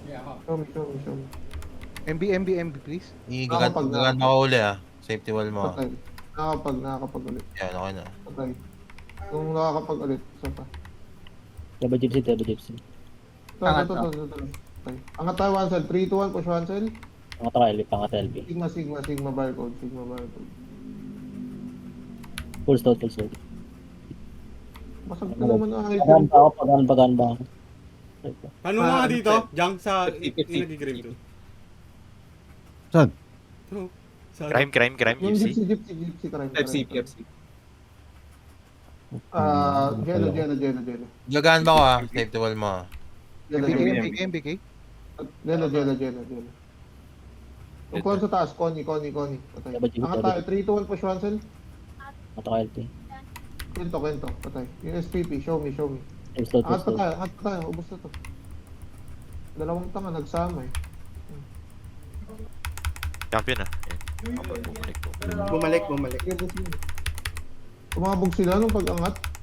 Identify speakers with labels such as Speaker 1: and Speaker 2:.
Speaker 1: Show me.
Speaker 2: MB, please.
Speaker 3: Gagan ako uli Safety wall mo.
Speaker 1: Patay. Nakakapag ulit.
Speaker 3: Yan, okay na.
Speaker 1: Patay. Kung nakakapag ulit, isa pa.
Speaker 4: Double gypsy.
Speaker 1: Ito. Patay. Angat tayo, one cell. 3, 2, 1, push one cell.
Speaker 4: Pangat LB.
Speaker 1: Sigma barcode.
Speaker 4: Full stone.
Speaker 1: Basag ka naman ang item.
Speaker 4: Pagan ba ako?
Speaker 5: Ano nga dito? Jang sa nag-grave to.
Speaker 6: Saan?
Speaker 5: Ito. Sa
Speaker 7: Crime,
Speaker 1: Yung
Speaker 7: gypsy.
Speaker 1: gypsy crime.
Speaker 6: FC.
Speaker 1: Jello.
Speaker 3: Gagan ba ko Safety wall mo.
Speaker 2: MBK.
Speaker 1: Jello. Yung kon sa taas, Connie. Patay. Angat tayo, 3, 2, 1, push one cell.
Speaker 4: Mata ko LP.
Speaker 1: Kwento. Patay. Yung SPP, show me.
Speaker 4: Full stone.
Speaker 1: Angat pa tayo. Ubus na to. Dalawang tanga, nagsama eh.
Speaker 7: Champion
Speaker 5: Bumalik.
Speaker 1: Umabog sila nung pag-angat.